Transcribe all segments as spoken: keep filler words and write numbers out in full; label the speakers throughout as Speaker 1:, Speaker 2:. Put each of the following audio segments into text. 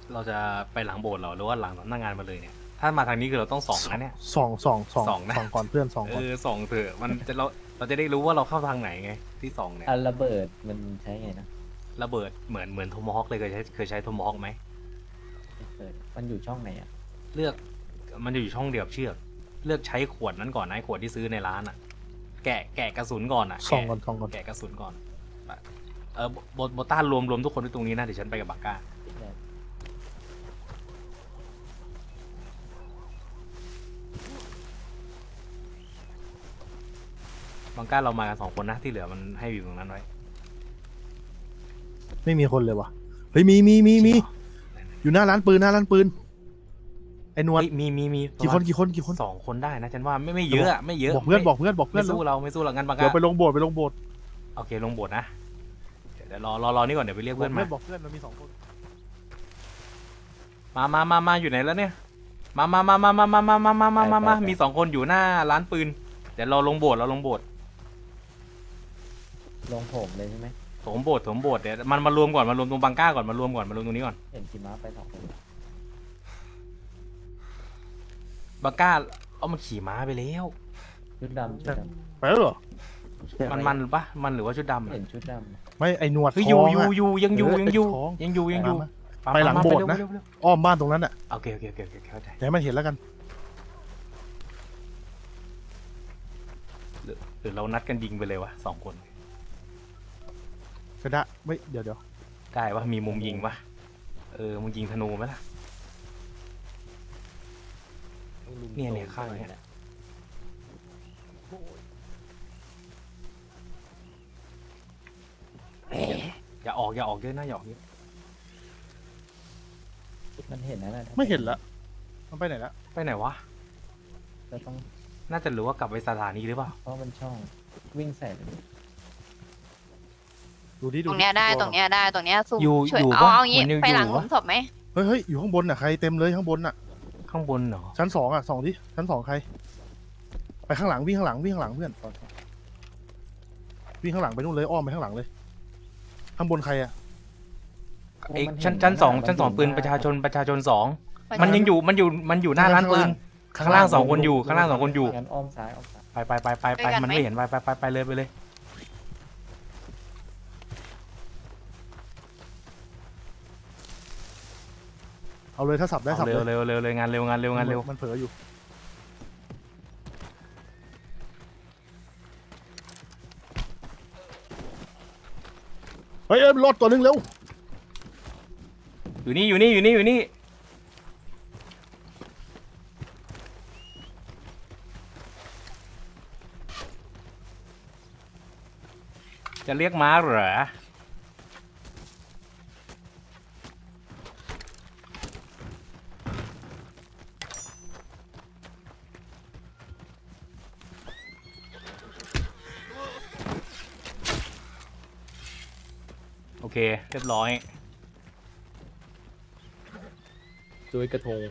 Speaker 1: เราจะไปหลังโบสถ์เหรอหรือว่าหลังสำนักงานมาเลยเนี่ยถ้ามาทางนี้คือเราต้องส่องนะเนี่ย
Speaker 2: สองสองสอง
Speaker 1: สองนะ
Speaker 2: สองก่อนเพื่อนสอง
Speaker 1: เอ
Speaker 2: ก่อน
Speaker 1: อส่องเถอะมันจะเราเราจะได้รู้ว่าเราเข้าทางไหนไงที่ส่องเนี่ย
Speaker 3: อันระเบิดมันใช้ไงนะ
Speaker 1: ระเบิดเหมือนเหมือนโทมฮอคเลยเคยใช้เคยใช้โทมฮอคไหม
Speaker 3: เปิดมันอยู่ช่องไหนอ่ะ
Speaker 1: เลือกมันจะอยู่ช่องเดียวกับเชือกเลือกใช้ขวดนั้นก่อนนะไอ้ขวดที่ซื้อในร้านอ่ะ แกะแกะกระสุนก่อนอ่ะ
Speaker 2: สองก่อนสองก่อน
Speaker 1: แกะกระสุนก่อนเออโบโบต้ารวมรวมทุกคนที่ตรงนี้นะเดี๋ยวฉันไปกับบาก้าบาก้าเรามากันสองคนนะที่เหลือมันให้อยู่ตรงนั้นไว้
Speaker 2: ไม่มีคนเลยว่ะเฮ้ยมีมีมีมีอยู่หน้าร้านปืนหน้าร้านปืนไอ้นวล
Speaker 1: เฮ้ยมีมีมี
Speaker 2: กี่คนกี่คนกี่คน
Speaker 1: สองคนได้นะฉันว่าไม่ไม่เยอะอะไม่เยอะ
Speaker 2: บอกเพื่อน
Speaker 1: ไม่
Speaker 2: บอกเพื่อนบอกเพื่อ
Speaker 1: ไม่
Speaker 2: น
Speaker 1: สู้เราไม่สู้เรางั้นบา
Speaker 2: เดี๋
Speaker 1: ก้า
Speaker 2: ยวไปลงโบสถ์ไปลงโบสถ์
Speaker 1: โอเคลงโบสถ์นะเดี๋ยวรอรอรอนี่ก่อนเดี๋ยวไปเรียก
Speaker 2: บอ
Speaker 1: เพื่
Speaker 2: ก
Speaker 1: อน
Speaker 2: เพื่
Speaker 1: มา
Speaker 2: อนบอกเพื่อนเรามีสองคน
Speaker 1: มามามามาอยู่ไหนแล้วเนี่ยมามามามามามามามามามามามามีสองคนอยู่หน้าร้านปืนเดี๋ยวเราลงโบสถ์เราลงโบสถ์
Speaker 3: ลงโถมเลยใช่ไหม
Speaker 1: โถมโบสถ์โถมโบสถ์เดี๋ยวมันมารวมก่อนมารวมตรงบังก้าก่อนมารวมก่อนมารวมตรงนี้ก่อน
Speaker 3: เห็นขี่ม้าไปสองคน
Speaker 1: บังก้าเอามันขี่ม้าไปแล้ว
Speaker 3: ชุดดำชุดด
Speaker 2: ไปแล้วเหรอ
Speaker 3: ำ
Speaker 1: มันมันปะมันหรือว่าชุดดำอะ
Speaker 3: เห็นชุดด
Speaker 2: ไม่ไอ้หนวด
Speaker 1: เฮ้ย
Speaker 2: ท
Speaker 1: อยู่
Speaker 2: อง
Speaker 1: อยู่
Speaker 2: อะ
Speaker 1: อยู่ยังอยู่
Speaker 2: เออ
Speaker 1: ยังอยู่
Speaker 2: ไอ้ท้อง
Speaker 1: ยังอยู่ยังอยู่
Speaker 2: มา
Speaker 1: า
Speaker 2: ไปหลัง
Speaker 1: มา
Speaker 2: โบสถ์นะ
Speaker 1: เร็วเร็วเร็ว
Speaker 2: อ้อมบ้านตรงนั้นอ่ะ
Speaker 1: โอเคโอเคโอเคโอเคเข้าใจ
Speaker 2: อย่าให้มันเห็นแล้วกัน
Speaker 1: หรือหรือเรานัดกันยิงไปเลยวะสองคน
Speaker 2: กระดะไม่เดี๋ยวเดี๋ยว
Speaker 1: ได้ปะมีมุมยิงปะเออมึงยิงธนูไหมล่ะ เนี่ยเนี่ยข้างเนี่ย อย่าออกอย่าออกเยอะนะอย่าออกเยอะ
Speaker 3: มันเห็นนะนะ
Speaker 2: ไม่เห็นละมันไปไหนละ
Speaker 1: ไปไหนวะ
Speaker 3: ก็ต้อง
Speaker 1: น่าจะรู้ว่ากลับไปสถานีหรือเปล่า
Speaker 3: เพราะมันช่องวิ่งใส่เลย
Speaker 2: ดูดิ
Speaker 4: ต
Speaker 2: ดู
Speaker 4: รง
Speaker 2: ดิ
Speaker 4: เนี้ยได้
Speaker 2: ตัว
Speaker 4: ตรงเนี้ยได้ตรงเนี้ยสู
Speaker 1: อยู่
Speaker 4: ช่วย
Speaker 1: อยู่
Speaker 4: เอา
Speaker 1: ปะ
Speaker 4: เอางี้
Speaker 1: มันยัง
Speaker 4: ไปหลัง
Speaker 1: อยู่
Speaker 4: หลุ
Speaker 1: ปะ
Speaker 4: มศพไหม
Speaker 2: เฮ้ยเฮ้ยอยู่ข้างบนอ่ะใครเต็มเลยข้างบนอ่ะ
Speaker 1: ข้างบนเหรอ
Speaker 2: ชั้นสองอ่ะสองดิชั้นสองใคร ไปข้างหลังวิ่งข้างหลังวิ่งข้างหลังเพื่อนวิ่งข้างหลังไปนู่นเลยอ้อมไปข้างหลังเลย ข้างบนใครอ่ะ
Speaker 1: ไอ้ชั้นชั้นสองชั้นสองปืนประชาชนประชาชนสองมันยังอยู่มันอยู่มันอยู่หน้าร้านปืนข้างล่างสองคนอยู่ข้างล่างสองคนอยู่
Speaker 3: งั้นอ้อมซ้ายอ้อมซ้าย
Speaker 1: ไปไปไปไปไปมันไม่เห็นไปไปไปไปเลยไปเลย
Speaker 2: เอาเลยถ้าสับได้สั
Speaker 1: เอา
Speaker 2: บ
Speaker 1: เร็ว
Speaker 2: เลย
Speaker 1: เร็วเร็วเลยงานเร็วงานเร็วงานเร็ว
Speaker 2: มันเผลออยู่เฮ้ยเอ้ยรถตัวนึงเร็ว
Speaker 1: อยู่นี่อยู่นี่อยู่นี่อยู่นี่จะเรียกม้าเหรอโอเคเรียบร้อย
Speaker 3: จุ้ยกระทง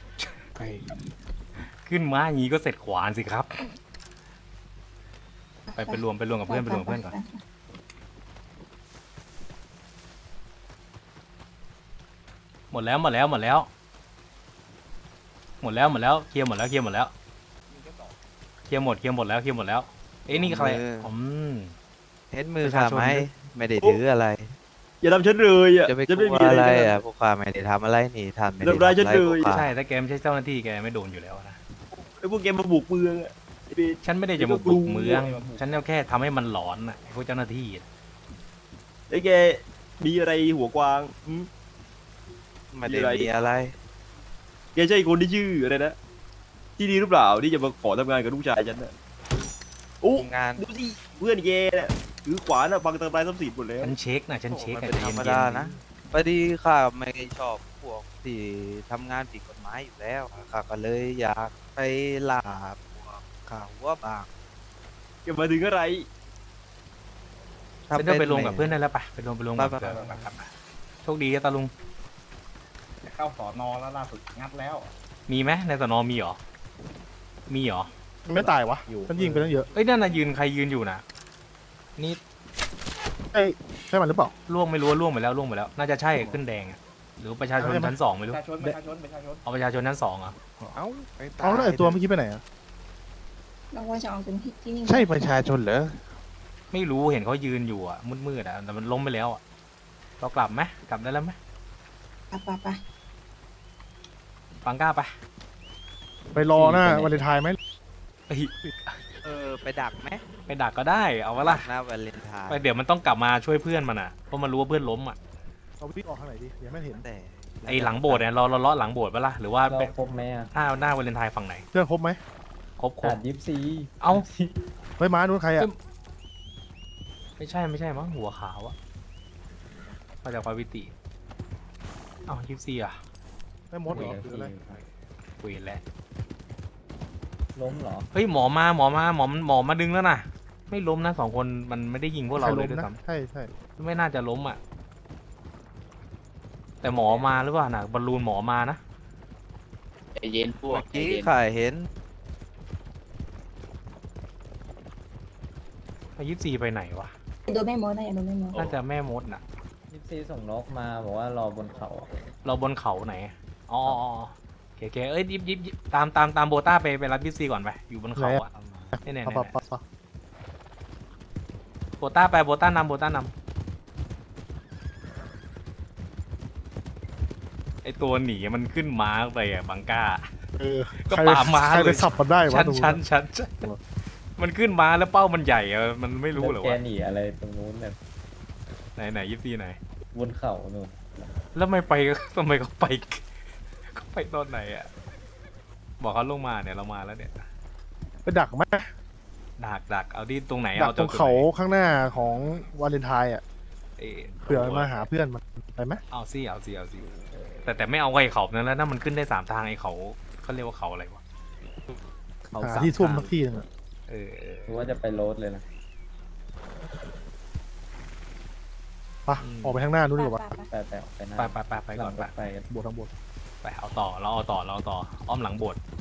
Speaker 1: ขึ้นม้าอย่างนี้ก็เสร็จขวานสิครับ ไปไปรวมไปรวมกับเพื่อนไปรวมกับเพื่อนก่อนหมดแล้วหมดแล้วหมดแล้ว หมดแล้วหมดแล้วเคลียร์หมดแล้วเคลียร์หมดแล้วเคลียร์หมดเคลียร์หมดแล้วเคลียร์หมดแล้วเอ้ยนี่ใครอืม
Speaker 5: เห็นมือ
Speaker 1: ประชา
Speaker 5: ข้า
Speaker 1: ชน
Speaker 5: ไหม
Speaker 1: ด้วย
Speaker 5: ไม่ได้ถืออะไร
Speaker 6: อย่าทำฉันเลยอ่ะ
Speaker 5: จะไปก
Speaker 6: ฉัน
Speaker 5: ลั
Speaker 6: ไม่
Speaker 5: ว
Speaker 6: มี
Speaker 5: อะ
Speaker 6: อะไร ไร
Speaker 5: อ่ะพวกข้าไม่ได้ทำอะไรนี่ท่านไม่ได้
Speaker 6: ทำร้ายฉัน
Speaker 5: ทำอะไร
Speaker 6: เลย
Speaker 5: พวกข้า
Speaker 1: ใช่ถ้าแกไม่ใช่เจ้าหน้าที่แกไม่โดนอยู่แล้วนะ
Speaker 6: ไอ้พวกแกมาบุกเมืองอ่ะไอ้เบส
Speaker 1: ฉันไม่ได้จะมาบุกเมือง ฉันแค่ทำให้มันหลอนน่ะไอ้พวกเจ้าหน้าที่อะ
Speaker 6: ไอ้แกมีอะไรหัวกวางหืม
Speaker 5: ไม่ได้มีอะไร
Speaker 6: แกใช่คนที่ชื่ออะไรนะที่ดีหรือเปล่าที่จะมาขอทำงานกับลูกชายฉันน่ะโอ้
Speaker 5: งาน
Speaker 6: ดูสิเพื่อนแกน่ะถือขวานอ่ะฟังทำลายทรัพย์สินหมดแล้ว
Speaker 1: ฉันเช็คนะฉันเช็ค
Speaker 5: มัน
Speaker 1: อะ
Speaker 5: เป็น
Speaker 1: ใจ
Speaker 5: ธรรม
Speaker 1: เย็
Speaker 5: ดาน นะพอดีข้าไม่ชอบพวกที่ทำงานผิดกฎหมายอยู่แล้วข้าก็เลยอยากไปล่าพวกข่าวว่าบาง
Speaker 6: แกมาถึงอะไร
Speaker 1: ๆฉันต้องไปรวมกับเพื่อนได้แล้วปะไปรวมไปรวมกับ
Speaker 5: ไป
Speaker 1: เพื่อน
Speaker 5: ไปไป
Speaker 1: ไปไปโชคดีนะตาลุง
Speaker 7: เข้าสอนอแล้วล่าสุดงัดแล้ว
Speaker 1: มีไหมในสนมีเหรอมีเหรอ
Speaker 2: มันไม่ตายวะฉันยิงไปตั้งเยอะ
Speaker 1: เอ้ยนั่นน่ะยืนใครยืนอยู่น่ะนี่
Speaker 2: ใช่มันหรือเปล่า
Speaker 1: ล่วงไม่รู้ว่าล่วงไปแล้วล่วงไปแล้ว น่าจะใช่ขึ้นแดงอะหรือประชาชนชั้นสองไม่
Speaker 7: ป
Speaker 1: รู้
Speaker 7: ระชาชนประชาชนประชาชน
Speaker 1: เอาประชาชนชั้นสองอ่ะ
Speaker 4: เอ้าไปตาย
Speaker 2: เอาแล้วไอตัวเมื่อกี้ไปไหนอะ
Speaker 8: เราว่าจะเอาเป็นที่ที่นี่
Speaker 4: ใช่ประชาชนเหรอ
Speaker 1: ไม่รู้เห็นเขายืนอยู่อ่ะมืดๆอ่ะแต่มันล้มไปแล้วอ่ะเรากลับไหมกลับได้แล้วไหม
Speaker 8: ปะปะปะ
Speaker 1: ปังก้าไป
Speaker 2: ไปรอหน้าวันเลนไทน์ไหม
Speaker 1: เฮ้ย
Speaker 5: เออไปดักไหม
Speaker 1: ไปดักก็ได้เอาวะล่ะ
Speaker 5: หน้าวันเลนไทน์
Speaker 1: ไปเดี๋ยวมันต้องกลับมาช่วยเพื่อนมันอ่ะเพราะมันรู้ว่าเพื่อนล้มอ่ะ
Speaker 2: เราวิ่งออกทางไหนดีเดี๋ยวไม่เห็น
Speaker 5: แต่
Speaker 1: ไอหลังโบสถ์เนี่ยเราเราเลาะหลังโบสถ์ปะล่ะหรือว่า
Speaker 3: เรา
Speaker 1: ไป
Speaker 3: ครบไหมอ่ะ
Speaker 1: หน้าหน้าวาเลนไทน์ฝั่งไหน
Speaker 2: เพื่อนครบไหม
Speaker 1: ครบคร
Speaker 3: ขา
Speaker 1: บ
Speaker 3: ดยิปซี
Speaker 1: เอ้า
Speaker 2: เฮ้ยม้านู้นใครอะ
Speaker 1: ไม่ใช่ไม่ใช่มั้งหัวขาวอะมาจากพาวิติเอ้ายิปซีอะ
Speaker 2: ไม่มดเหรอหรืออะไร
Speaker 1: คุยแล้ว
Speaker 3: ล้มเหรอ
Speaker 1: เฮ้ยหมอมาหมอมาหมอมันหมอมาดึงแล้วนะไม่ล้มนะสองคนมันไม่ได้ยิงพวกเรา
Speaker 2: ใคร
Speaker 1: เล
Speaker 2: ล้
Speaker 1: ย
Speaker 2: ม
Speaker 1: ด้วย
Speaker 2: นะ
Speaker 1: ซ้
Speaker 2: ใช่ใช่
Speaker 1: ำไม่น่าจะล้มอะแต่หมอมาหรือเปล่านะบอลลูนหมอมานะ
Speaker 5: เมื่อกี้ข่าเห็น
Speaker 1: ยิปซีไปไหนวะ
Speaker 8: โดนแม่มดได้โดนแม่มด
Speaker 1: น่าจะแม่มดน่ะ
Speaker 3: ยิปซีส่งนกมาบอกว่ารอบนเขา
Speaker 1: เราบนเขาไหนอ๋ออ๋ออ๋อโอเคโอเคเอ้ยยิบยิบยิบตามตามตามโบต้าไปไปรับยิปซีก่อนไปอยู่บนเขาอะเนี่ยเนี่ย
Speaker 2: ปะ
Speaker 1: เนี่ย
Speaker 2: ปะปะปะ
Speaker 1: โบต้าไปโบต้านำโบต้านำไอตัวหนีมันขึ้นม้าไปอ่ะบังก้า
Speaker 2: เออ
Speaker 1: ก็
Speaker 2: ใคร
Speaker 1: ป่าม้า
Speaker 2: ใคร
Speaker 1: เล
Speaker 2: ไป
Speaker 1: ย
Speaker 2: สับมันได้วะ
Speaker 1: ชั้น
Speaker 2: ตรง
Speaker 1: ชั้นชั้นชั้นมันขึ้นม้าแล้วเป้ามันใหญ่อะมันไม่รู้เหรอ
Speaker 3: แก
Speaker 1: วะ
Speaker 3: หนีอะไรตรงนู้นแบบ
Speaker 1: ไหนไหนยิปซีไหน
Speaker 3: บนเขานู่น
Speaker 1: แล้วไม่ไปทำไมเขาไปเขาไปตอนไหนอ่ะบอกเขาลงมาเนี่ยเรามาแล้วเนี่ย
Speaker 2: ไปดักไหม
Speaker 1: ดักดักเอาที่ตรงไหน
Speaker 2: ดัก
Speaker 1: เอา
Speaker 2: ตรงเขาข้างหน้าของวาเลนไทน์อะ
Speaker 1: เอ้ย
Speaker 2: เผื่อมันมาหาเพื่อนมันไปไหม
Speaker 1: เอาสิเอาสิเอาสิแต่แต่ไม่เอาไอ้เขานั้นแล้วนะมันขึ้นได้สามทางไอ้เขาเขาเรียกว่าเขาอะไรวะ
Speaker 2: หาที่ซุ่มสักที่หนึงอะ
Speaker 1: เออเออ
Speaker 3: หรือว่าจะไปโรดเลยนะ
Speaker 2: ไปออกไปข้างหน้านู้นดีกว่า
Speaker 8: ปะปะ
Speaker 3: ไปไปออกไปหน้า
Speaker 1: ไปไปไปไปก่อน
Speaker 3: ห
Speaker 1: ไป
Speaker 3: ลังรถไปกัน
Speaker 2: บวชทั้งบวช
Speaker 1: ไปเอาต่อเราเอาต่อเราเอาต่ออ้อมหลังโบสถ์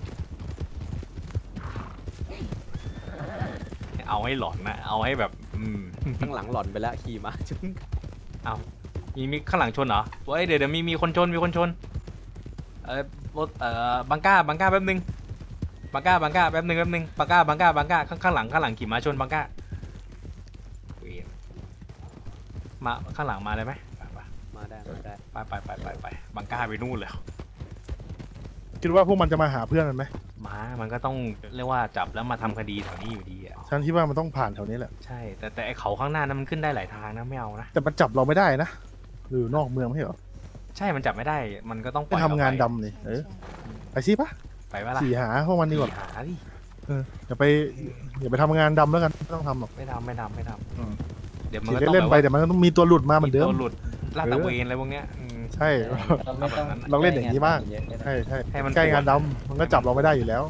Speaker 1: เอาให้หลอนนะเอาให้แบบอืม
Speaker 5: ข้างหลังหล่อนไปแล้วขี่มาจน
Speaker 1: เอามีมีข้างหลังชนเหรอเว้ยเดี๋ยวเดี๋ยวมีมีคนชนมีคนชนเออรถเอ่อบังก้าบังก้าแป๊บนึงบังก้าบังก้าแป๊บนึงแป๊บนึงบังก้าบังก้าบังก้าข้างข้างหลังข้างหลังขี่ม้าชนบังก้าเวรมาข้างหลังมาได้ไหมไปไป
Speaker 5: มาได้มาได้
Speaker 1: ไปไปไปไปไปบังก้าไปนู่นแล้ว
Speaker 2: คิดว่าพวกมันจะมาหาเพื่อนมันไหม
Speaker 1: ม้ามันก็ต้องเรียกว่าจับแล้วมาทำคดีแถวนี้อยู่ดีอ่ะ
Speaker 2: ฉันคิดว่ามันต้องผ่านแถวนี้แหละ
Speaker 1: ใช่แต่แต่ไอเขาข้างหน้านั้นมันขึ้นได้หลายทางนะไม่เอานะ
Speaker 2: แต่มันจับเราไม่ได้นะหรือนอกเมืองไม่ใช่เหรอ
Speaker 1: ใช่มันจับไม่ได้มันก็ต้องป
Speaker 2: ไป
Speaker 1: ล่อย
Speaker 2: ทำงาน
Speaker 1: เร
Speaker 2: ดำนี่เออไปสิปะ
Speaker 1: ไปไปว่าล่ะ
Speaker 2: สี่หาพวกมันดีกว่า
Speaker 1: สี่หาดิ
Speaker 2: เอออย่าไปอย่าไปทำงานดำแล้วกันไม่ต้องทำหรอก
Speaker 1: ไม่ทำไม่ทำไม่ท
Speaker 2: อืม
Speaker 1: ำเดี๋ยวมัน
Speaker 2: ขี่
Speaker 1: ก็ต้อง
Speaker 2: เล่น
Speaker 1: แบบ
Speaker 2: ๆไป
Speaker 1: ว่า
Speaker 2: แต่มันก็ต้องมีตัวหลุดมาเหมือนเดิม
Speaker 1: ตัวหลุดลาดตระเวนอะไรพวกเนี้ยอืม
Speaker 2: ใช่
Speaker 3: เราไม่ต้อง
Speaker 2: เราเล่นอย่างนี้บ้าง
Speaker 3: เยอะก็ได้
Speaker 2: ใช่ใช่
Speaker 1: ให้มัน
Speaker 2: ใกล้งานดำมันก็จับเราไม่ได้อยู่แล้ว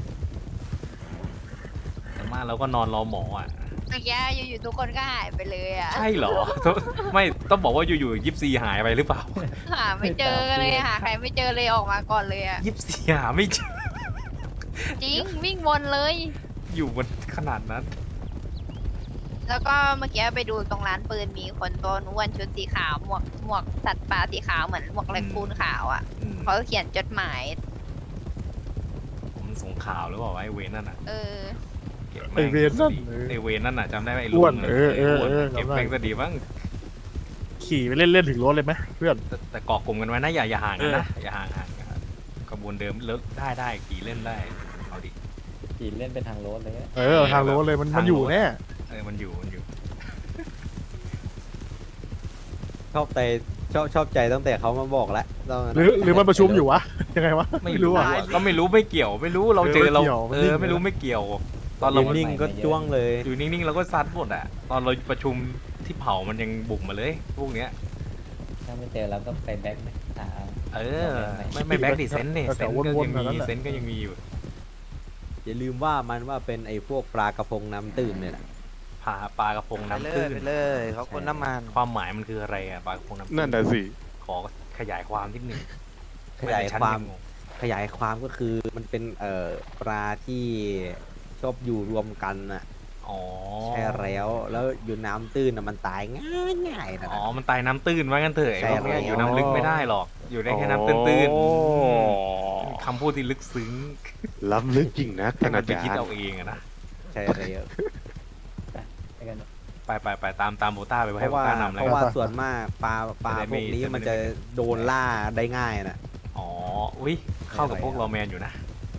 Speaker 1: แต่มากเราก็นอนรอหมออ่ะ
Speaker 9: เมื่อกี้อยู่ๆทุกคนก็หายไปเลยอ่ะ
Speaker 1: ใช่เหรอ ไม่ต้องบอกว่าอยู่ๆยิปซีหายไปหรือเปล่า
Speaker 9: หาไม่เจอเลยหาใครไม่เจอเลยออกมาก่อนเลยอ่ะ
Speaker 1: ยิปซีหาไม่เจอ
Speaker 9: จริงวิ่งวนเลย
Speaker 1: อยู่บนขนาดนั้น
Speaker 9: แล้วก็เมื่อกี้ไปดูตรงร้านปืนมีคนตัวอ้วนชุดสีขาวหมวกหมวกสัตว์ป่าสีขาวเหมือนหมวกแรคคูนขาวอ่ะ
Speaker 1: อืม
Speaker 9: เขาเขียนจดหมาย
Speaker 1: ผมส่งข่าวหรือเปล่าวะไอเวนนั่นอ่ะ
Speaker 9: เออ
Speaker 1: ก็บ
Speaker 2: ไอเวนนั่น
Speaker 1: ไอเวนนั่นน่ะจำได้ไหมไอ
Speaker 2: อ้
Speaker 1: ลุ
Speaker 2: วน
Speaker 1: งะ
Speaker 2: เออเออ
Speaker 1: ไอ้
Speaker 2: เออ
Speaker 1: เก็บ
Speaker 2: จำได้
Speaker 1: แม่งซะดีบ้าง
Speaker 2: ขี่ไปเล่นเล่นๆถึงรถเลยไหมเพื่อน
Speaker 1: แต่แต่เกาะกลุ่มกันไว้นะอย่าอย่าห่างกันนะอย่าห่างห่างกันขบวนเดิมเลิกได้ได้ขี่เล่นได้เอาดิ
Speaker 3: ขี่เล่นเป็นทางโรดเลยอะ
Speaker 2: เออทางรถเลยมันมันอยู่แน่
Speaker 1: เออมันอยู่มันอยู่
Speaker 5: ชอบใจชอบชอบใจตั้งแต่เขามาบอกแล้วตอนนั้น
Speaker 2: หรือหรือมันประชุมอยู่วะยังไงวะ
Speaker 1: ไม่
Speaker 2: ไม่
Speaker 1: รู้
Speaker 2: รู้อ่ะ
Speaker 1: อะก็ไม่รู้ไม่เกี่ยวไม่รู้เราเจอเรา
Speaker 2: เออไม่เกี่ยว
Speaker 1: เออไม่รู้ไม่เกี่ยว ตอนเรา
Speaker 5: นิ่งๆก็จ้วงเลย
Speaker 1: อยู่นิ่งๆเราก็ซัดหมดอะตอนเราประชุมที่เผามันยังบุกมาเลยพวกเนี้ย
Speaker 3: ถ้าไม่เจอเราก็ไปแบ็คไหมหา
Speaker 1: เออไม่ไม่แบ็กดิเซนเนี่ยเซนก็ยังมีเซนก็ยังมีอยู่
Speaker 5: อย่าลืมว่ามันว่าเป็นไอ้พวกปลากระพงน้ำตื่นเนี่ยแหละ
Speaker 1: พาปลากระพง
Speaker 5: ไป
Speaker 1: น้ำ
Speaker 5: เล
Speaker 1: ตื้
Speaker 5: ย
Speaker 1: น
Speaker 5: ไปเลยเขาคนน้ำมัน
Speaker 1: ความหมายมันคืออะไรอะปลากระพงน้ำตื้
Speaker 4: นั่นน่ะสิ
Speaker 1: ขอขยายความนิดนึง
Speaker 5: ขยายความ
Speaker 1: ไงั้นงง
Speaker 5: ขยายความก็คือมันเป็นเอ่อปลาที่ชอบอยู่รวมกันน่ะ
Speaker 1: อ๋อ
Speaker 5: ใช่แล้วแล้วอยู่น้ำตื้นอะมันตายง่ายง่ายๆนะ
Speaker 1: อ๋อมันตายน้ำตื้นว่างั้นเถอะไอ้
Speaker 5: ใช่
Speaker 1: พวกเนี้ย
Speaker 5: แล้ว
Speaker 1: อยู่น้ำลึกไม่ได้หรอก อยู่ได้แค่น้ำตื้นๆอืมคำพูดที่ลึกซึ้ง
Speaker 4: ล้ำลึกจริงนะ
Speaker 1: ให้
Speaker 4: ท่าน
Speaker 1: มัน
Speaker 4: อา
Speaker 1: ไป
Speaker 4: จาร
Speaker 1: คิด
Speaker 4: ย์
Speaker 1: เอาเองอะนะ
Speaker 5: ใช่แล้ว
Speaker 3: ไปกัน
Speaker 1: ไปไปไปตามตามโบต้าไป
Speaker 5: เพ
Speaker 1: ให้
Speaker 5: ราะ
Speaker 1: โบ
Speaker 5: ว่า
Speaker 1: ต้านำ
Speaker 5: เพ
Speaker 1: แล้ว
Speaker 5: ราะ
Speaker 1: กัน
Speaker 5: ว่าส่วนมากปลาปลา
Speaker 1: จะได้
Speaker 5: พ
Speaker 1: ไม่
Speaker 5: วกนี้
Speaker 1: จะได้
Speaker 5: มัน
Speaker 1: ไม่
Speaker 5: จะโดนล่าได้ง่ายนะ
Speaker 1: อ๋อ อุ้ยเข้ากับพวก
Speaker 5: ใช่
Speaker 1: เรา
Speaker 5: แล้ว
Speaker 1: แมนอยู่นะ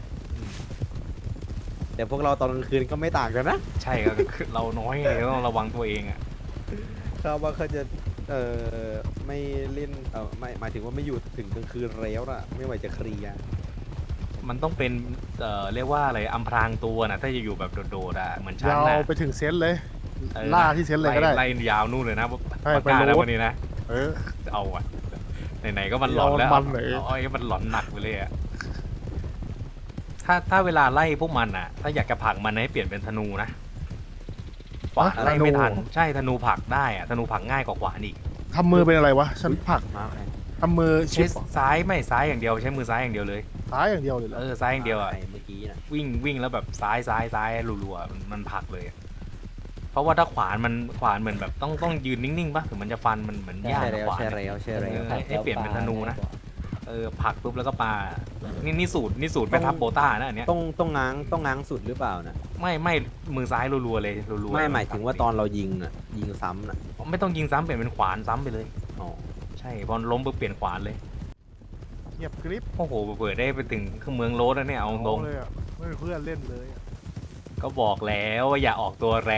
Speaker 5: แต่พวกเราตอนกลางคืนก็ไม่ต่างกันนะ
Speaker 1: ใช่ก็คือเราน้อยไงต้องระวังตัวเองอ่ะ
Speaker 5: เขาว่าเขาจะเอ่อไม่เล่นเออไม่หมายถึงว่าไม่อยู่ถึงกลางคืนแล้วนะไม่ไหวจะเคลียร์
Speaker 1: มันต้องเป็น เอ่อ เรียกว่าอะไรอำพรางตัวนะถ้าจะอยู่แบบโดดๆอ่ะ เหมือนฉัน
Speaker 2: ยาว
Speaker 1: นะ
Speaker 2: ไปถึงเซนต์เลย
Speaker 1: เออ
Speaker 2: ล่าที่เซนต์เลยก็ได้
Speaker 1: ไล่ยาวนู่นเลยนะ
Speaker 2: ใช่
Speaker 1: ปากกา
Speaker 2: ไป
Speaker 1: แล้ว
Speaker 2: โลด
Speaker 1: วันนี้นะ
Speaker 2: เออ
Speaker 1: เอาอ่ะ ไหนๆก็มันหลอนแล้ว
Speaker 2: เอามันเลย
Speaker 1: เอาเอาให้มันหลอนหนักไปเลยอ่ะ ถ้าถ้าเวลาไล่พวกมันอ่ะ ถ้าอยากจะผลักมันให้เปลี่ยนเป็นธนูนะขวาน
Speaker 2: อะ
Speaker 1: ไล่ไม่ทัน
Speaker 2: ธนู
Speaker 1: ใช่ธนูผลักได้อ่ะ ธนูผลักง่ายกว่าขวานอีก
Speaker 2: ทำมือเป็นอะไรวะ ฉันผลัก
Speaker 5: มาไง
Speaker 2: ทำมือชิ
Speaker 1: ใช้
Speaker 2: ปเหรอ
Speaker 1: ซ้ายไม่ซ้ายอย่างเดียวใช้มือซ้ายอย่างเดียวเลย
Speaker 2: ซ้ายอย่างเดียวเลยเหรอ
Speaker 1: เออซ้ายอย่างเดียวอ่ะ
Speaker 5: ไเมื่อกี้นะ
Speaker 1: วิ่งวิ่งแล้วแบบซ้ายซ้ายซ้ายรัวๆมันมันผลักเลยอะเพราะว่าถ้าขวานมันขวานเหมือนแบบต้องต้องยืนนิ่งๆป่ะถึงมันจะฟันมันเหมือนยาก
Speaker 5: ใช่แล้ว
Speaker 1: ขวาน
Speaker 5: ใช่
Speaker 1: อะ
Speaker 5: แล้วใช่แล้ว
Speaker 1: เออ ให้เปลี่ยนเป็นธนูนะ เออผลักปุ๊บแล้วก็ปานี่นี่สูตรนี่สูตรแม่ทัพโบต้านะอันเนี้ย
Speaker 5: ต้องต้องง้างต้องง้างสุดหรือเปล่านะ
Speaker 1: ไม่ไม่มือซ้ายรัวๆเลยรัวๆ
Speaker 5: ไม่หมายถึงว่าตอนเรายิงอ่ะยิงซ้ำน่ะ
Speaker 1: ไม่ต้องยิงซ้ำเปลี่ยนเป็นขวานซ้ำไปเลย
Speaker 5: อ๋อ
Speaker 1: ใช่พอล้มปุ๊บเปลี่ยนขวานเลย
Speaker 2: เงียบกริบ
Speaker 1: โอ้โหเปิดได้ไปถึงเมืองโรสแล้วเนี่ยเอาตรง
Speaker 2: เลยอ่ะไม่มีเพื่อนเล่นเลยอะ
Speaker 1: ก็บอกแล้วว่าอย่าออกตัวแรง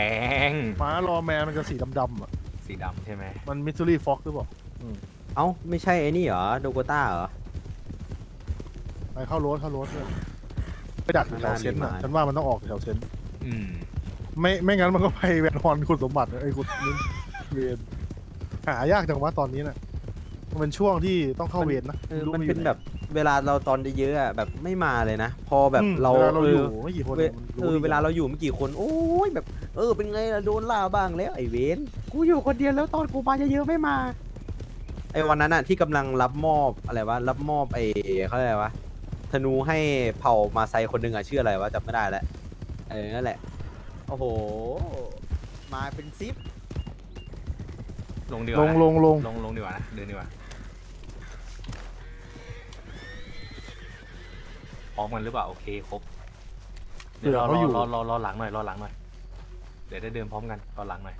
Speaker 2: ม้ารอแมนมันจะสีดำๆอ่ะ
Speaker 1: สีดำใช่ไหม
Speaker 2: มันมิสซูรี่ฟ็อกหรือเปล่า
Speaker 5: เอ้าไม่ใช่ไอ้นี่เหรอโดโกต้าเหรอ
Speaker 2: ไปเข้าโรสเข้าโรสเลยไปดักแถวเซนต์อ่ะ
Speaker 5: น่าดีมาก
Speaker 2: ฉันว่ามันต้องออกแถวเซนต์
Speaker 1: อืม
Speaker 2: ไม่ไม่งั้นมันก็ไปแวนฮอนคุณสมบัติไอ้คุณนี่เวนหายากจังวะตอนนี้น่ะมันเป็นช่วงที่ต้องเข้าเวรนะ
Speaker 5: เออ
Speaker 2: รู้
Speaker 5: มัน
Speaker 2: ไยู่
Speaker 5: เป็น
Speaker 2: ไห
Speaker 5: แบบเวลาเราตอนเยอะๆอะแบบไม่มาเลยนะ พอแบบ
Speaker 2: อืม
Speaker 5: เรา
Speaker 2: วลาเรา
Speaker 5: เอ
Speaker 2: อยู่
Speaker 5: อ
Speaker 2: ไม่กี่คน
Speaker 5: เว
Speaker 2: มัน
Speaker 5: เออ
Speaker 2: ดี
Speaker 5: เวลาเราอยู่ไม่กี่คน โอ้ยแบบ เออเป็นไงล่ะโดนล่าบ้างแล้วไอ้เวนกูอยู่คนเดียวแล้วตอนกูมาเยอะๆไม่มาไอ้วันนั้นอะที่กำลังรับมอบอะไรวะรับมอบไอ้เขาเรียกอะไรวะธนูให้เผ่ามาไซคนหนึ่งอะชื่ออะไรวะจำไม่ได้แล้วเออนั่นแหละโอ้โหมาเป็นซิป
Speaker 1: ลงดีก
Speaker 2: ล
Speaker 1: ว่าง นะ
Speaker 2: ลงลง
Speaker 1: ลงลงดีกว่านะเดินดีกว่าพร้อมกันหรือเปล่าโอเคครบเดี๋ยวรอรอรอรอรอหลังหน่อยรอหลังหน่อยเดี๋ยวได้เดินพร้อมกันรอหลังหน่อย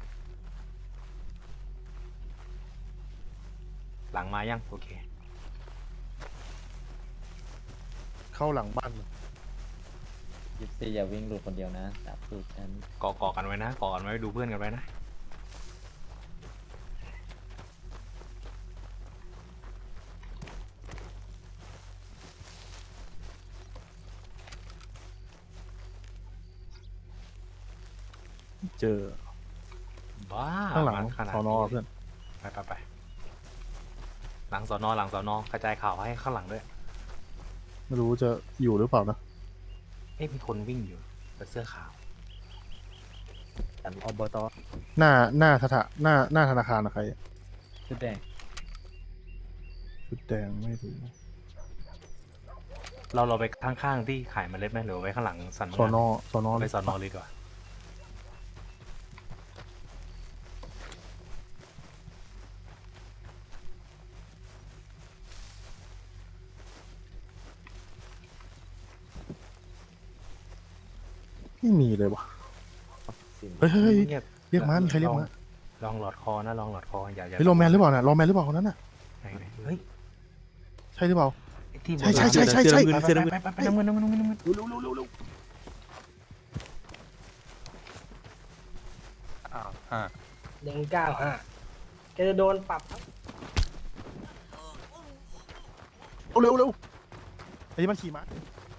Speaker 1: หลังมายังโอเค
Speaker 2: เข้าหลังบ้าน
Speaker 3: ยิปซีอย่าวิ่งหลุดคนเดียวนะจับสูตรฉัน
Speaker 1: เกาะเกาะกันไว้นะเกาะกันไว้ดูเพื่อนกันไว้นะ
Speaker 2: เจอ
Speaker 1: บ้า
Speaker 2: ข้างหลัง
Speaker 1: ขนาด
Speaker 2: สอนอเพื่อน
Speaker 1: ไปไปไปหลังสอนอหลังสอนอกระจายข่าวให้ข้างหลังด้วย
Speaker 2: ไม่รู้จะอยู่หรือเปล่านะ
Speaker 1: เอ๊ะมีคนวิ่งอยู่แต่เสื้อขาว
Speaker 5: อันอบต
Speaker 2: หน้าหน้าสถาหน้าหน้าธนาคารนะใครอะ
Speaker 3: ชุดแดง
Speaker 2: ชุดแดงไม่รู้
Speaker 1: เราเราไปข้างๆที่ขายเมล็ดไหมหรือไว้ข้างหลังสัน
Speaker 2: สอนอสอนอ
Speaker 1: ไปสอนอเลยดีกว่า
Speaker 2: ไม่มีเลยวะเฮ้ยเฮ้ยเฮ้ย
Speaker 1: เงียบ
Speaker 2: เรียกมามีใครเรียกมา
Speaker 1: ลองหลอดคอนะลองหลอดคออย่าอย่า
Speaker 2: เฮ้ยรอแมนหรือเปล่าน่ะรอแมนหรือเปล่าคนนั้นน่ะ
Speaker 1: ไหนไหนเฮ้ย
Speaker 2: ใช่หรือเปล่า
Speaker 1: ไอ้ที่
Speaker 2: ใช่ใช่ใช่ใช่ใช่
Speaker 1: ไปไปไปไปไปน้ำเงินน้ำเงินน้ำเงินน้ำเงิน
Speaker 2: เร็วเร็วเร็วเร็วเร็ว
Speaker 7: อ้าวห้า
Speaker 10: หนึ่งเก้าห้าแกจะโดนปรับครับ
Speaker 2: เร็วเร็วไอ้ที่มันขี่ม้า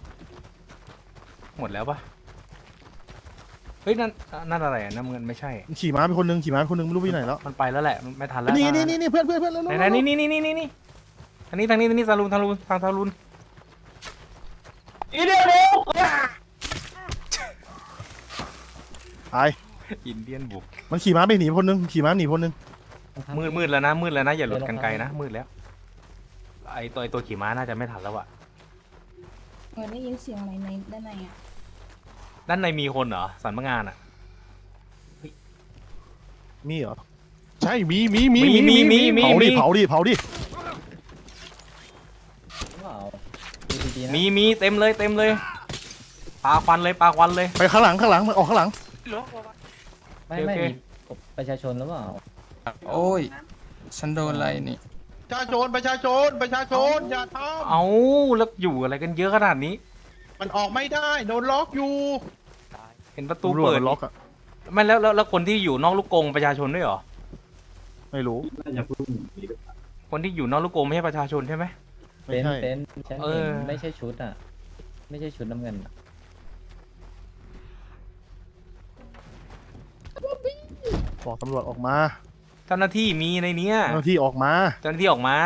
Speaker 1: หมดแล้วปะเฮ้ยนั่นนั่นอะไรอะน้ำเงินไม่ใช่
Speaker 2: มันขี่ม้าไปคนนึงขี่ม้าไปคนนึงไม่รู้ไปไหนแล้ว
Speaker 1: มันไปแล้วแหละมันไม่ทันแล้ว
Speaker 2: นี่นี่นี่นี่เพื่อนเพื่อนเพื่อนเร็ว
Speaker 1: ไหน
Speaker 2: เร็ว
Speaker 1: ไหนนี่นี่นี่นี่นี่ทางนี้ทางนี้ทางนี้ซาลูนทางลูนทางซาลูน
Speaker 10: อีเดียเร็ว
Speaker 2: ตาย
Speaker 1: อินเดียนบุก
Speaker 2: มันขี่ม้าไปหนีคนนึงขี่ม้าหนีคนนึง
Speaker 1: มืดมืดแล้วนะมืดแล้วนะอย่าหลุดกันไกลนะมืดแล้วไอตัวไอตัวขี่ม้าน่าจะไม่ทันแล้วอะ
Speaker 8: เออได้ยินเสียงอะไรในด้านในอ่ะ
Speaker 1: ด้านในมีคนเหรอสันมงานอะ
Speaker 2: มีเหรอ
Speaker 4: ใช่มีมีมี
Speaker 1: มีมีมีมี
Speaker 2: เผาดิ
Speaker 1: มี
Speaker 2: เผาดิเผาดิ
Speaker 3: ว้าวดูดีๆนะ
Speaker 1: มีมีเต็มเลยเต็มเลยปาควันเลยปาควันเลย
Speaker 2: ไปข้างหลังข้างหลังมันออกข้างหลัง
Speaker 3: ไม่
Speaker 1: โอ
Speaker 3: ไม่
Speaker 1: เค
Speaker 3: มีประชาชนหรือเปล่า
Speaker 11: โอ้ย ฉันโดนอะไรนี่
Speaker 7: ประชาชนประชาชนประชาชนอย่าท
Speaker 1: เอาแล้วอยู่อะไรกันเยอะขนาดนี้
Speaker 7: ำมันออกไม่ได้โดนล็อกอยู่
Speaker 1: เห็นประตู
Speaker 2: ตำรวจ
Speaker 1: เปิด
Speaker 2: มันล็อกอะ
Speaker 1: ไม่แล้วแล้วแล้วคนที่อยู่นอกลูกกรงประชาชนด้วยเหรอ
Speaker 2: ไม่รู้
Speaker 1: คนที่อยู่นอกลูกกรงไม่ใช่ประชาชนใช่ไหม
Speaker 2: ไม่
Speaker 3: เป็น
Speaker 2: ใช่
Speaker 3: เป็นฉัน
Speaker 1: เอ
Speaker 3: เห็น
Speaker 1: อ
Speaker 3: ไม่ใช่ชุดอ่ะ ไม่ใช่ชุดน้ำเงินอะ
Speaker 2: บอกตำรวจออกมา
Speaker 1: เจ้าหน้าที่มีในเนี้ย
Speaker 2: เจ้าหน้าที่ออกมา
Speaker 1: เจ้าหน้าที่ออกมา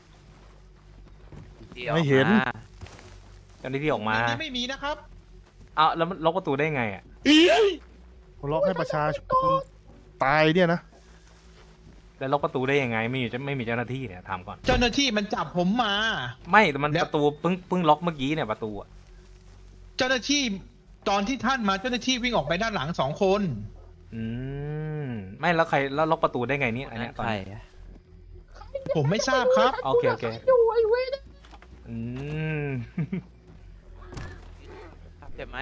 Speaker 2: ไม่เห็น
Speaker 1: เจ้าหน้าที่ออกมา
Speaker 7: ไม่มีนะครับ
Speaker 1: เอาแล้วมันล็อกประตูได้ไงอ่ะ
Speaker 2: คนล็อกให้ประชาชนตายเนี่ยนะ
Speaker 1: แล้วล็อกประตูได้ยังไงไม่มีจะไม่มีเจ้าหน้าที่เนี่ยถามก่อน
Speaker 7: เจ้าหน้าที่มันจับผมมา
Speaker 1: ไม่แต่มัน
Speaker 7: แล้ว
Speaker 1: ประตูเพิ่งเพิ่งล็อกเมื่อกี้เนี่ยประตูอะ
Speaker 7: เจ้าหน้าที่ตอนที่ท่านมาเจ้าหน้าที่วิ่งออกไปด้านหลังสองคน
Speaker 1: อืมไม่แล้วใครแล้วล็อกประตูได้ไงเนี่ยอันเนี้ยตอนนี้
Speaker 7: ผมไม่ทราบครับ
Speaker 1: โอเคโอเคอืม
Speaker 5: เจ็บไหม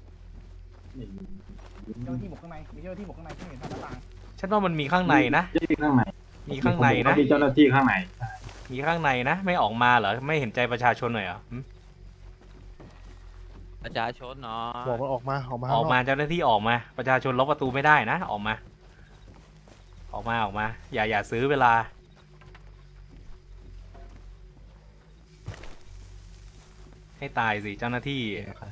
Speaker 10: เจ้าหน้าที่บุกข้างในมีเจ้าหน้าที่บุกข้างในที่เห็นทางหน้าต่าง
Speaker 1: ฉันว่ามันมีข้างในนะ
Speaker 10: ข้างใน
Speaker 1: มีข้างในนะ
Speaker 10: มีเจ้าหน้าที่ข้างใน
Speaker 1: มีข้างในนะ ไม่ออกมาเหรอไม่เห็นใจประชาชนหน่อยเหรอหึ
Speaker 5: ประชาชนเนาะ
Speaker 2: บอกมันออกมาออกมา
Speaker 1: ออกมา
Speaker 2: ข้งน
Speaker 1: เจ้าหน้าที่ออกมา ประชาชนล็อกประตูไม่ได้นะออกมา ออกมาออกมา อย่าอย่าซื้อเวลา ให้ตายสิเจ้าหน้าที่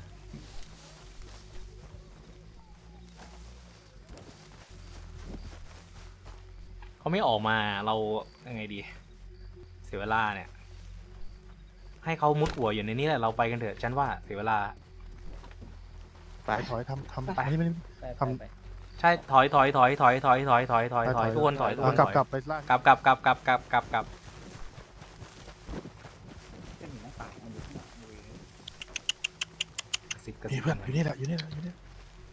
Speaker 1: เขาไม่ออกมาเรายังไงดี เสียเวลาเนี่ย ให้เขามุดหัวอยู่ในนี้แหละเราไปกันเถอะฉันว่าเสียเวลา
Speaker 2: ไปถอยทำทำ
Speaker 1: ไป
Speaker 2: อันนี้ไม่
Speaker 3: ไป
Speaker 2: ทำ
Speaker 3: ไปไป
Speaker 1: ใช่ถอยถอยถอยถอยถอยถอยถอยถอยถอยทุกคนถอยทุกค
Speaker 2: เอา
Speaker 1: น
Speaker 2: กลับ
Speaker 1: ถอย
Speaker 2: กลับไปล่าง
Speaker 1: กลับกลับกลับกลับกลับกลับกลับ
Speaker 10: เส้นหนีหน้าต่างมันอยู่ข้างหลังบริเวณ
Speaker 1: สิบกระ
Speaker 2: นี่
Speaker 1: สิบ
Speaker 2: เพื่อนอยู่นี่แหละอยู่นี่แหละอยู่นี่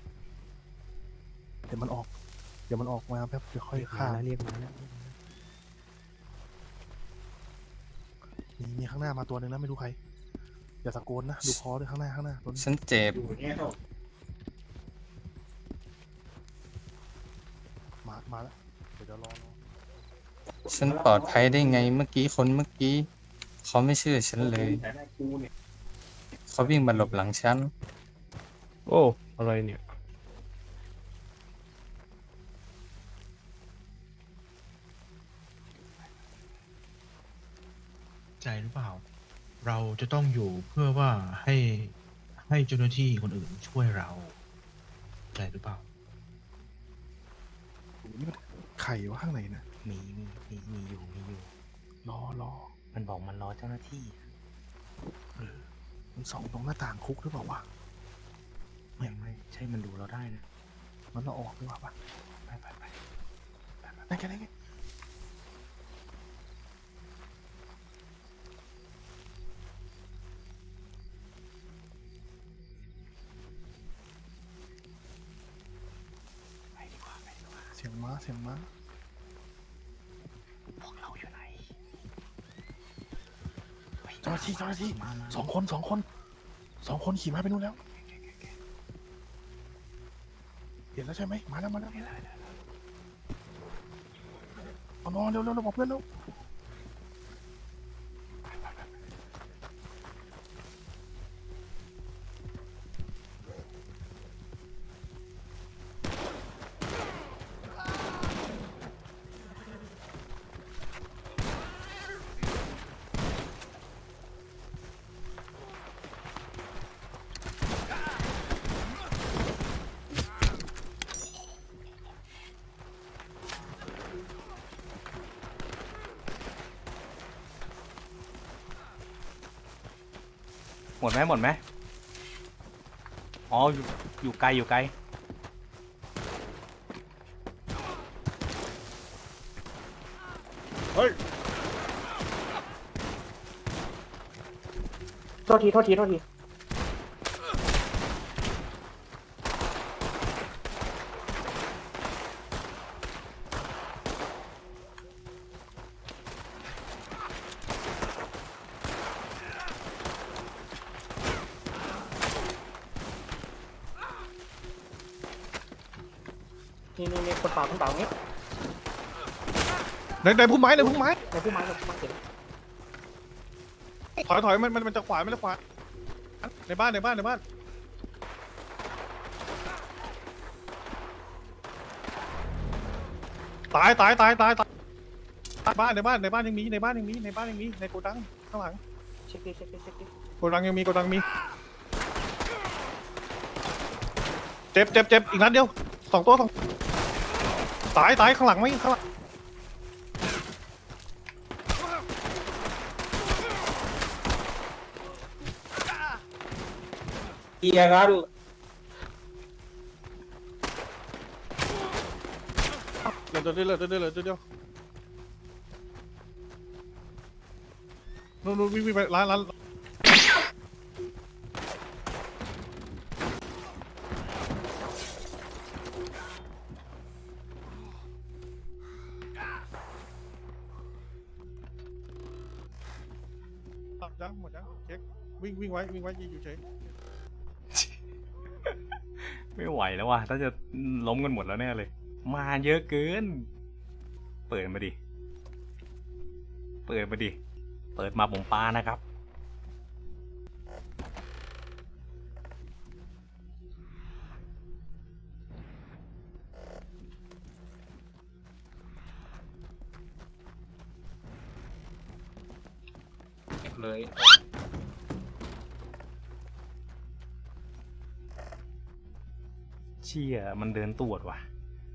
Speaker 2: เดี๋ยวมันออก เดี๋ยวมันออกมาแป๊บเดี๋ยวค่อยฆ่า
Speaker 5: เรียกมาแล้ว
Speaker 2: มีมีข้างหน้ามาตัวหนึ่งนะไม่รู้ใครอย่าตะโกนนะดูคอด้วยข้างหน้าข้างหน้าตัวนี้
Speaker 11: ฉันเจ็บ
Speaker 2: มามาแล้วเดี๋ยวเดี๋ยวรอรอ
Speaker 11: ฉันปลอดภัยได้ไงเมื่อกี้คนเมื่อกี้ เขาไม่เชื่อฉันเลย เขาวิ่งมาหลบหลังฉัน
Speaker 4: โอ้อะไรเนี่ย
Speaker 7: ใจหรือเปล่า เราจะต้องอยู่เพื่อว่าให้ให้เจ้าหน้าที่คนอื่นช่วยเราใจหรือเปล่า
Speaker 2: นี่มันไข่วะข้างในนะ
Speaker 1: มีมีมีมีอยู่มีอยู่
Speaker 2: รอรอ
Speaker 1: มันบอกมันรอเจ้าหน้าที่
Speaker 2: มันส่องตรงหน้าต่างคุกหรือเปล่าวะ
Speaker 1: ไม่ไม่ใช่มันดูเราได้นะ
Speaker 2: มันเราออกดีกว่าปะ
Speaker 1: ไปไปไป
Speaker 2: นั่นไงนั่นไงเสียงม้าเสียงม้า
Speaker 1: พวกเราอยู่ไหน
Speaker 2: เจ้าหน้าที่เจ้าหน้าที่
Speaker 1: มามา
Speaker 2: สองคนสองคนสองคนขี่ม้าไปนู่นแล้วเห็นแล้วใช่ไหมมาแล้วมาแล้วเอานอนเร็วเร็วเราบอกเพื่อนเร็ว
Speaker 1: หมดไหมหมดไหมอ๋ออยู่อยู่ไกลอยู่ไกล
Speaker 10: โทษทีโทษทีโทษทีนี่นี่นี่คนเปล่าคนเปล่าอย่างงี้
Speaker 2: ในในพุ่มไม้ในพุ่มไม้
Speaker 10: ในผู้ไม้ในผู้ไม้เห็น
Speaker 2: ถอยถอยมันมันมันจะขวามันจะขวาในบ้านในบ้านในบ้านตายตายตายตายตายบ้านในบ้านในบ้านยังมีในบ้านยังมีในบ้านยังมีในโกดังข้างหลัง
Speaker 10: เช็คดิเช็คดิเช็คดิ
Speaker 2: โกดังยังมีโกดังมีเจ็บเจ็บเจ็บอีกนัดเดียวสองตัวสองตายตายข้างหลังไหมข้างหลัง
Speaker 10: เกียร์ครับ
Speaker 2: เหลือตัวเดียวเหลือตัวเดียวเหลือตัวเดียวนู่นนู่นวิ่งวิ่งไปร้านร้านยังหมดยังเช็ควิ่งวิ่งไว้วิ่งไว้ยืนอยู่เฉย
Speaker 1: ไม่ไหวแล้วว่ะถ้าจะล้มกันหมดแล้วแน่เลย มาเยอะเกิน เปิดมาดิ เปิดมาดิ เปิดมาผมปานะครับ
Speaker 11: เลย
Speaker 1: เชี่ยมันเดินตรวจว่ะ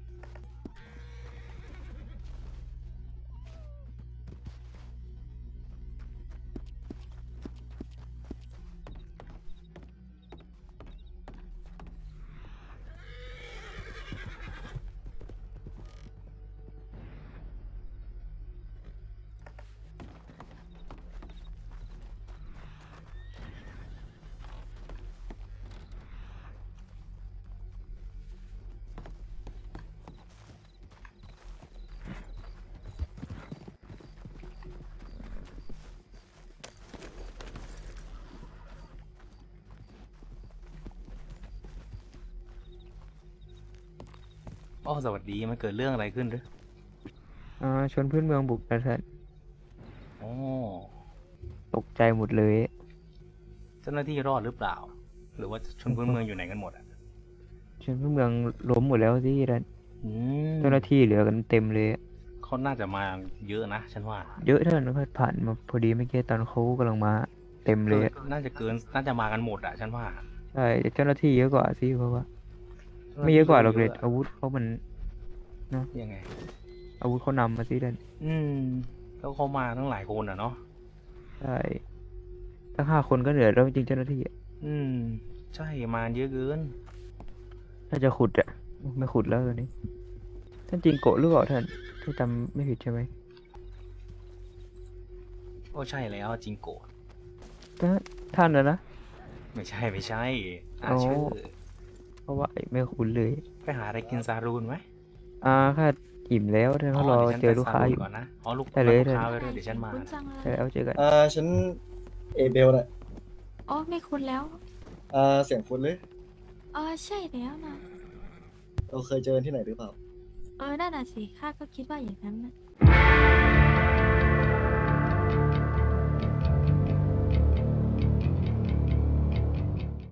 Speaker 1: อ๋อสวัสดีมันเกิดเรื่องอะไรขึ้นหรือ
Speaker 3: อ่าชนพื้นเมืองบุกนะท่าน
Speaker 1: อ๋อ
Speaker 3: ตกใจหมดเลย
Speaker 1: เจ้าหน้าที่รอดหรือเปล่า หรือว่าชนพื้นเมืองอยู่ไหนกันหมดอ่ะ
Speaker 3: ชนพื้นเมืองล้มหมดแล้วสิท่าน
Speaker 1: อืม
Speaker 3: เจ้าหน้าที่เหลือกันเต็มเลย
Speaker 1: เขาน่าจะมาเยอะนะฉันว่า
Speaker 3: เยอะท่านเขาผ่านมาพอดีเมื่อกี้ตอนเขากำลังมาเต็มเลย
Speaker 1: น่าจะเกินน่าจะมากันหมดอ่ะฉันว่า
Speaker 3: ใช่เจ้าหน้าที่เยอะกว่าสิเพราะว่า ไม่เยอะกว่าหรอกเลยอาวุธเขามัน
Speaker 1: ยังไง
Speaker 3: อาวุธเขานำมาสิท่าน
Speaker 1: อืมแล้วเขามาทั้งหลายคนอ่ะเนาะ
Speaker 3: ใช่ตั้งห้าคนก็เหนื่อยแล้วจริงๆเจ้าหน้าที่อะ
Speaker 1: อืม ใช่มาเยอะเกิน
Speaker 3: ถ้าจะขุดอะไม่ขุดแล้วตอนนี้ท่านจริงโกะหรือเปล่าท่านที่จำไม่ผิดใช่ไหม
Speaker 1: ก็ใช่แล้วจิงโกะ
Speaker 3: ท่านท่านนะนะ
Speaker 1: ไม่ใช่ไม่ใช่อ่า
Speaker 3: อ๋อ
Speaker 1: ชื่อ
Speaker 3: เพราะว่าไม่คุ้นเลย
Speaker 1: ไปหาอะไรกินซารูนไหม
Speaker 3: อ่าค่ะอิ่มแล้วท่านเขารอ
Speaker 1: ดี๋ยวฉัน
Speaker 3: เจอ
Speaker 1: ไป
Speaker 3: ลูกค้า
Speaker 1: ซรูน
Speaker 3: อยู่
Speaker 1: ก่อนนะอ๋อลูก
Speaker 3: ได้เลย
Speaker 1: ลูกค้า
Speaker 3: ได้
Speaker 1: ไว้ด้วยเดี๋ยวฉันมานะ
Speaker 3: ใช่แล้วเจอกัน
Speaker 12: อ่าฉันเอเบลน่ะ
Speaker 8: อ๋อไม่คุ้นแล้ว
Speaker 12: อ่าเสียงคุณเลย
Speaker 8: อ๋อใช่แล้วนะ
Speaker 12: เราเคยเจอที่ไหนหรือเปล่า
Speaker 8: เออนั่นน่ะสิข้าก็คิดว่าอย่างนั้นนะ